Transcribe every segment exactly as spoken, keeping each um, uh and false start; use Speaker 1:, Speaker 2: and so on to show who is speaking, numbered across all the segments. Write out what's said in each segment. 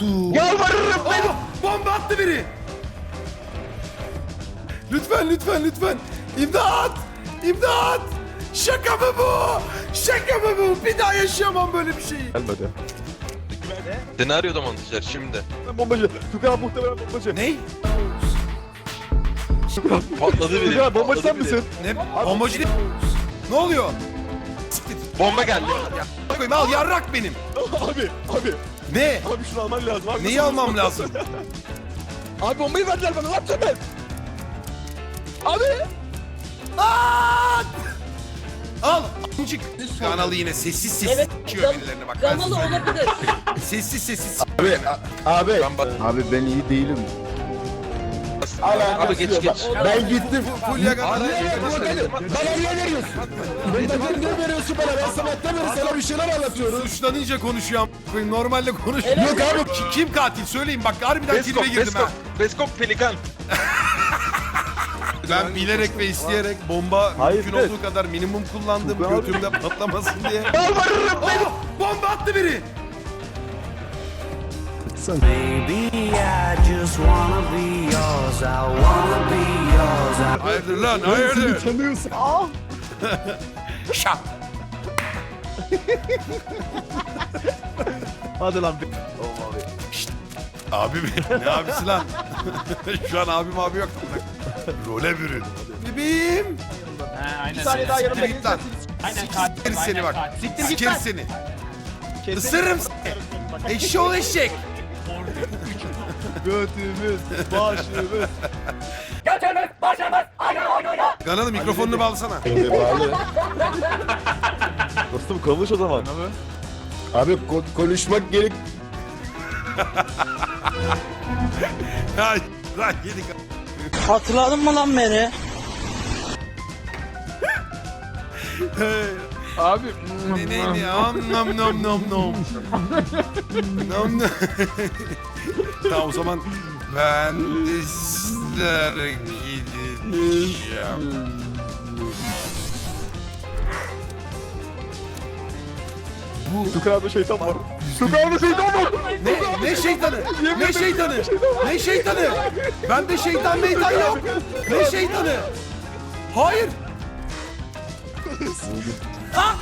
Speaker 1: korktum.
Speaker 2: Yalvarırım beni.
Speaker 1: Oh, bomba attı biri. Lütfen lütfen lütfen. İmdat. İmdat. Şaka mı bu? Şaka mı bu? Bir daha yaşayamam böyle bir şeyi.
Speaker 2: Gelmedi.
Speaker 3: Senaryoda montajlar şimdi.
Speaker 2: Ben bombacı. Tukan muhtemelen bombacı.
Speaker 1: Ney?
Speaker 3: Patladı biri.
Speaker 2: Tukan bombacı sen
Speaker 3: patladı biri.
Speaker 2: misin?
Speaker 1: Ne? Bombacı değil. Ne oluyor? Siktir.
Speaker 3: Bomba geldi.
Speaker 1: Ya, koyayım al yarrak benim.
Speaker 2: Abi abi.
Speaker 1: Ne?
Speaker 2: Abi şunu alman lazım. Abi,
Speaker 1: Neyi almam lazım?
Speaker 2: Abi bombayı verdiler bana. Ne yapacağım ben? Abi.
Speaker 1: Aa! Al. Amcık. Kanalı yine sessiz sessiz
Speaker 4: Evet,
Speaker 1: çıkıyor
Speaker 4: gam-
Speaker 1: birilerine bak. ben
Speaker 4: Gamalı
Speaker 1: size söyleyeyim.
Speaker 4: olabilir.
Speaker 1: Sessiz sessiz.
Speaker 5: Abi, abi,
Speaker 3: Ben bak.
Speaker 5: abi ben iyi değilim.
Speaker 3: Abi geç geç.
Speaker 5: Ben gittim.
Speaker 1: Fulya kadar.
Speaker 5: Bana niye veriyorsun? Bana niye veriyorsun bana? Ben sabahtan beri sana bir şeyler anlatıyorum.
Speaker 1: Suçlanınca konuşuyor am- koyayım. Normalde konuşuyor.
Speaker 5: Yok abi.
Speaker 1: Ki- Kim katil söyleyin bak harbiden
Speaker 3: Beskok,
Speaker 1: tribe girdim ha.
Speaker 3: Beskok, Beskok Pelikan.
Speaker 1: Ben bilerek ve isteyerek bomba
Speaker 2: Hayır,
Speaker 1: mümkün
Speaker 2: evet.
Speaker 1: olduğu kadar minimum kullandım
Speaker 2: Çok abi.
Speaker 1: götümde patlamasın diye.
Speaker 2: Yalvarırım beni.
Speaker 1: Oh, bomba attı biri.
Speaker 6: Baby, I just wanna be yours. I wanna be yours. I
Speaker 1: Hayırdır lan hayırdır.
Speaker 2: Tanıyorsun.
Speaker 1: Şap.
Speaker 2: Hadi lan.
Speaker 1: Abi benim ne abisi lan? Şu an abim abi yok. Role bürün. Bebeğim.
Speaker 2: Bir saniye daha yanımda
Speaker 1: Siktir git lan. Siktir seni bak.
Speaker 2: Siktir git
Speaker 1: Siktir
Speaker 2: lan.
Speaker 1: seni. Isırırım seni. Eşşoğlu eşek.
Speaker 2: Götümüz, başımız.
Speaker 1: Kanalı mikrofonunu bağlasana.
Speaker 2: Dostum konuş o zaman.
Speaker 5: Abi ko- konuşmak gerek.
Speaker 1: Ya lan yedik.
Speaker 6: Hatırladın mı lan beni?
Speaker 1: Abi ne ne ne am nam nam nam nam. Nam nam. Tamam o zaman ben ister gideceğim.
Speaker 2: Tukan abi şeytan var. Tukan abi şeytan var.
Speaker 1: Ne ne şeytanı? Ne şeytanı? Ne şeytanı? Ben de şeytan meytan yok. Ne şeytanı? Hayır. Ah!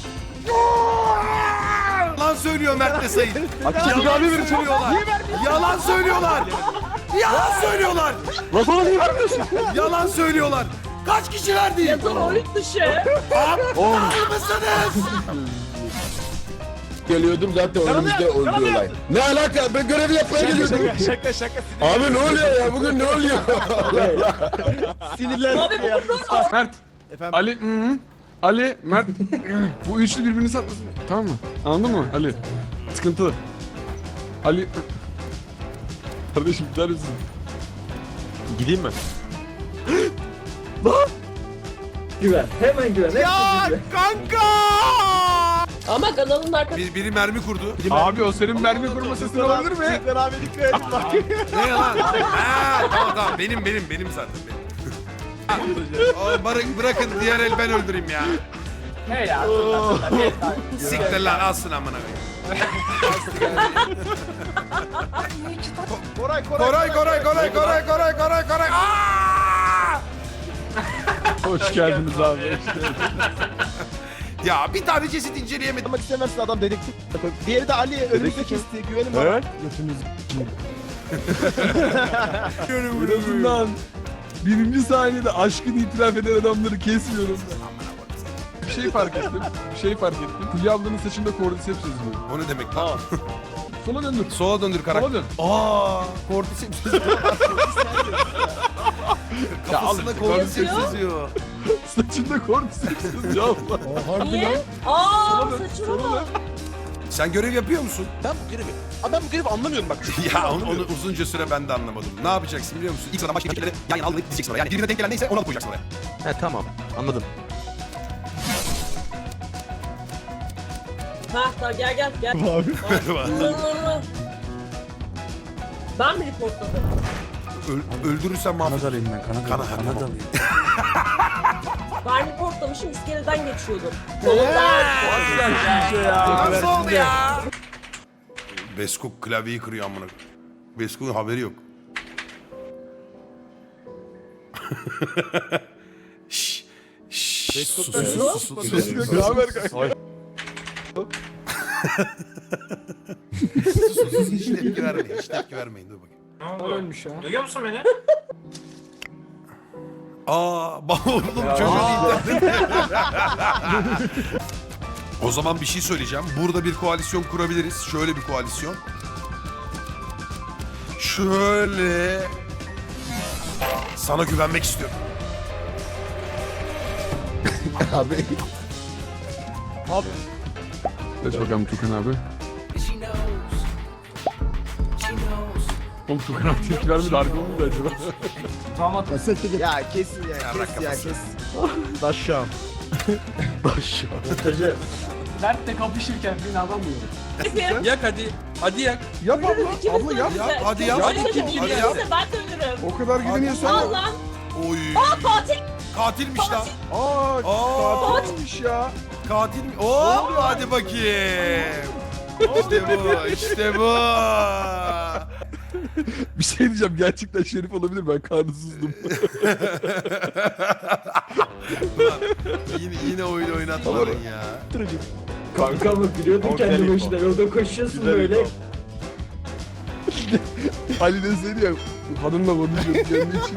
Speaker 1: Yalan söylüyor Mert ve Sayın. Yalan söylüyorlar. Yalan söylüyorlar. Yalan söylüyorlar.
Speaker 2: Lan sana niye vermiyorsun?
Speaker 1: Yalan söylüyorlar. Kaç kişi verdi?
Speaker 4: Kronik dışı.
Speaker 1: Aptal mısınız?
Speaker 5: Geliyordum zaten önümüzde oynuyorlar. Ne alaka? Ben görevi yapmaya geliyordum.
Speaker 2: Şaka şaka.
Speaker 5: Abi ne oluyor ya? Bugün ne oluyor?
Speaker 2: Sinirlendim
Speaker 4: Abi
Speaker 2: ya.
Speaker 7: Mert.
Speaker 2: Efendim?
Speaker 7: Ali. Hı -hı. Ali, Mert. Bu üçlü birbirini satmasın. Tamam mı? Anladın mı Ali? Sıkıntılı. Ali. Kardeşim gider misin?
Speaker 2: Gideyim mi?
Speaker 1: Ya kanka!
Speaker 4: Ama kanalın arkasında.
Speaker 1: Bir, biri mermi kurdu.
Speaker 7: Abi o senin mermi kurma sesin olabilir mi?
Speaker 2: Tukan abi dikkat et bak.
Speaker 1: Ne lan? Ha, tamam tamam benim benim benim zaten benim. O, bırak, bırakın diğer el ben öldüreyim ya.
Speaker 8: He ya.
Speaker 1: Siktir lan alsın amına koyayım.
Speaker 2: Koray
Speaker 1: Koray
Speaker 2: Koray.
Speaker 1: Koray Koray Koray Koray Koray Koray. Aa!
Speaker 7: Hoş geldiniz abi.
Speaker 1: Ya bir tane ceset inceleyemedim.
Speaker 2: Yapmak istemezsin adam dedektif. Diğeri de Ali önümüzde kesti. Güvenin bana.
Speaker 7: Evet. En azından birinci saniyede aşkını itiraf eden adamları kesmiyorum ben. Bir şey fark ettim. Bir şey fark ettim. Fulya ablanın saçında cordyceps yazıyor.
Speaker 1: O ne demek lan?
Speaker 7: Sola döndür.
Speaker 1: Sola döndür karakter.
Speaker 7: Sola dön.
Speaker 1: Aa, kortiseps. Kafasında
Speaker 7: al,
Speaker 1: kortiseps
Speaker 4: cordyceps
Speaker 1: yazıyor.
Speaker 7: Saçında cordyceps yazıyor Allah.
Speaker 4: Niye? Aa
Speaker 7: Sola dön.
Speaker 4: saçına
Speaker 7: Sola
Speaker 4: bak.
Speaker 7: dön.
Speaker 1: Sen görev yapıyor musun?
Speaker 2: Ben bu görevi. Abi ben bu görevi anlamıyorum bak.
Speaker 1: Ya onu, onu uzunca süre ben de anlamadım. Ne yapacaksın biliyor musun? İlk sıradan başka rakipleri yan yana alıp dizeceksin oraya. Yani birbirine denk gelen neyse onu alıp koyacaksın oraya.
Speaker 2: He tamam anladım.
Speaker 4: Ha tamam gel gel gel.
Speaker 1: Merhaba.
Speaker 4: Merhaba. Ben mi reportladım?
Speaker 1: Öl, öldürürsen mahvolur.
Speaker 5: alayım ben. Kanat
Speaker 1: Kana, kana
Speaker 5: alayım.
Speaker 4: Ben reportlamışım iskeleden geçiyordum. Solundan.
Speaker 1: Nasıl oldu ya? Beskok klavyeyi kırıyor amına. Beskok'un haberi yok. Şşş. Şşş.
Speaker 5: Beskok'tan
Speaker 1: Sus,
Speaker 5: ne?
Speaker 1: sus, sus, sus, sus,
Speaker 7: Beskok
Speaker 1: sus.
Speaker 7: ne haber kanka?
Speaker 1: Sus, sus, sus. Hiç tepki vermeyin. Hiç tepki vermeyin. Dur bakayım.
Speaker 5: Ölmüş ha.
Speaker 8: Duyuyor musun beni?
Speaker 1: Aa, bak oğlum çocuğun internet. O zaman bir şey söyleyeceğim. Burada bir koalisyon kurabiliriz. Şöyle bir koalisyon. Şöyle. Sana güvenmek istiyorum.
Speaker 5: Abi.
Speaker 7: Geç bakalım Tukan abi. Oğlum Tukan abi tepki vermedi harika olmadı acaba?
Speaker 5: Kaset de ya kesin ya,
Speaker 1: Ya bırak
Speaker 5: kes ya
Speaker 1: kafasını.
Speaker 5: kes. Daşşam. Daşşam.
Speaker 8: Mert'le kapışırken beni alamıyorum.
Speaker 2: Yak hadi. Hadi yak.
Speaker 7: Yap abla.
Speaker 4: İkimiz
Speaker 7: Abla
Speaker 4: de
Speaker 7: yap.
Speaker 4: öldürürüz.
Speaker 1: yap, hadi yap.
Speaker 4: Hadi
Speaker 1: Hadi
Speaker 4: kim
Speaker 1: hadi
Speaker 4: kim
Speaker 1: yap.
Speaker 4: ben de ölürüm.
Speaker 7: O kadar güveniyorsan.
Speaker 4: Al lan.
Speaker 1: Oy.
Speaker 4: Aa katil.
Speaker 1: Katilmiş lan.
Speaker 7: Aa,
Speaker 1: Aa.
Speaker 7: katilmiş ya.
Speaker 1: Katil mi? Oo, hadi bakayım. İşte bu, işte bu.
Speaker 7: Bir şey diyeceğim gerçekten Şerif olabilir ben karnısızdım.
Speaker 1: Ulan, yine, yine oyun oynatmadın ya.
Speaker 8: Kanka mı biliyordum kendi başına yolda koşuyorsun böyle.
Speaker 7: Ali deseydi ya hanımla konuşuyoruz kendi için.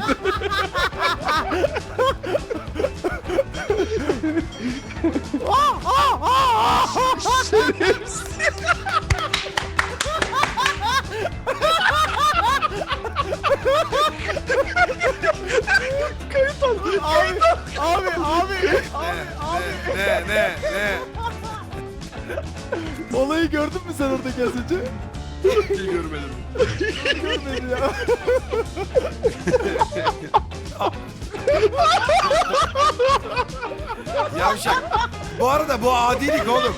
Speaker 1: Ne, ne, ne?
Speaker 5: Olayı gördün mü sen oradaki az önce?
Speaker 1: Hiç görmedim.
Speaker 5: Görmedin ya.
Speaker 1: Yavşak. Bu arada bu adilik oğlum.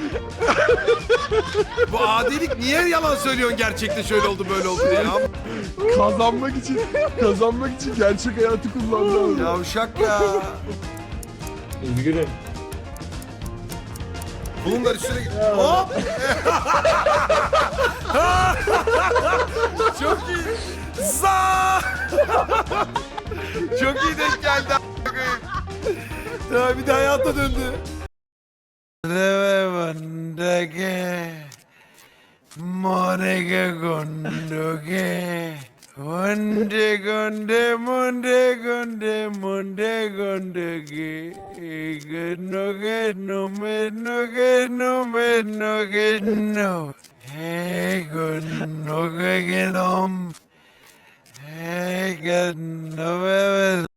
Speaker 1: Bu adilik niye yalan söylüyorsun gerçekte şöyle oldu böyle oldu diye ya?
Speaker 7: Kazanmak için kazanmak için gerçek hayatı kullandı.
Speaker 1: Yavşak ya.
Speaker 8: Üzgünüm.
Speaker 1: Bunlar üstüne git. Hop. Çok iyi. Za. Çok iyi denk geldi. Ya bir de hayata döndü. Reve vandage. Morege gondoge. Gonde gonde monde gonde monde gondege. Gondoge no me no ge no me no ge no. Hey gondoge genom. Hey gondoge.